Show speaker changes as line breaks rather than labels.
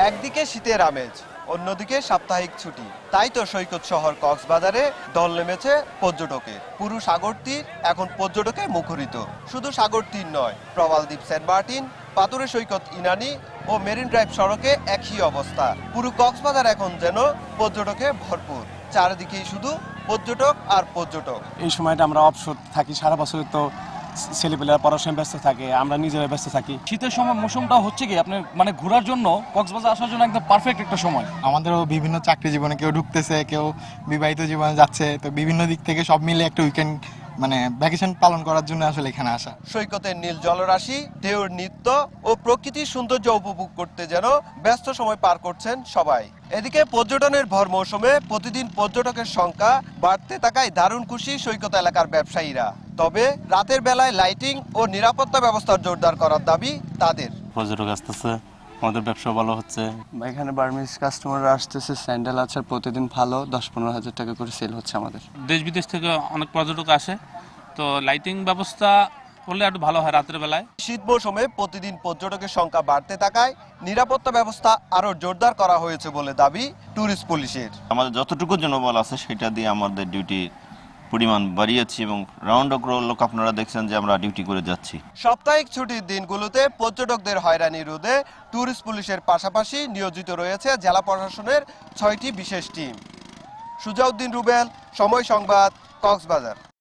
একদিকে শীতের আমেজ, অন্যদিকে সাপ্তাহিক ছুটি, তাই তো সৈকত শহর কক্সবাজারে দল নেমেছে পর্যটকের। পুরো সাগর তীর এখন পর্যটকে মুখরিত। শুধু সাগর তীর নয়, প্রবালদ্বীপ সেন্ট মার্টিন, পাথুরে সৈকত ইনানি ও মেরিন ড্রাইভ সড়কে একই অবস্থা। পুরো কক্সবাজার এখন যেন পর্যটকে ভরপুর, চারিদিকেই শুধু পর্যটক আর পর্যটক।
এই সময়টা আমরা অবসর থাকি, সারা বছর তো ছেলেপেলেরা পড়াশোনায় ব্যস্ত থাকে, আমরা নিজেরা ব্যস্ত থাকি।
শীতের সময় মৌসুমটা হচ্ছে কি আপনার মানে ঘোরার জন্য কক্সবাজার আসার জন্য একদম পারফেক্ট একটা সময়।
আমাদেরও বিভিন্ন চাকরি জীবনে কেউ ঢুকতেছে, কেউ বিবাহিত জীবনে যাচ্ছে, তো বিভিন্ন দিক থেকে সব মিলে একটা উইকেন্ড মানে ভ্যাকেশন পালন করার জন্য আসলে এখানে আসা।
সৈকতের নীল জলরাশি, ঢেউর নৃত্য ও প্রকৃতির সৌন্দর্য উপভোগ করতে যেন ব্যস্ত সময় পার করছেন সবাই। এদিকে পর্যটনের ভর মৌসুমে প্রতিদিন পর্যটকের সংখ্যা বাড়তে থাকায় দারুণ খুশি সৈকত এলাকার ব্যবসায়ীরা। তবে রাতের বেলায় লাইটিং ও নিরাপত্তা ব্যবস্থা জোরদার করার দাবি তাদের।
পর্যটক আসতেছে, আমাদের ব্যবসা ভালো হচ্ছে।
এখানে বার্মিজ কাস্টমাররা আসতেছে, স্যান্ডেল আছে প্রতিদিন ভালো 10-15 হাজার টাকা করে সেল হচ্ছে আমাদের।
দেশ বিদেশ থেকে অনেক পর্যটক আসে, তো লাইটিং ব্যবস্থা করলে একটু ভালো হয় রাতের বেলায়।
শীত মৌসুমে প্রতিদিন পর্যটকের সংখ্যা বাড়তে থাকায় নিরাপত্তা ব্যবস্থা আরো জোরদার করা হয়েছে বলে দাবি ট্যুরিস্ট পুলিশের।
আমাদের যতটুকু জনবল আছে সেটা দিয়ে আমাদের ডিউটি পরিমাণ বাড়িয়েছি এবং রাউন্ড লোক আপনারা দেখছেন যে আমরা ডিউটি করে যাচ্ছি।
সাপ্তাহিক ছুটির দিনগুলোতে পর্যটকদের হয়রানি রোধে ট্যুরিস্ট পুলিশের পাশাপাশি নিয়োজিত রয়েছে জেলা প্রশাসনের 6টি বিশেষ টিম। সুজাউদ্দিন রুবেল, সময় সংবাদ, কক্সবাজার।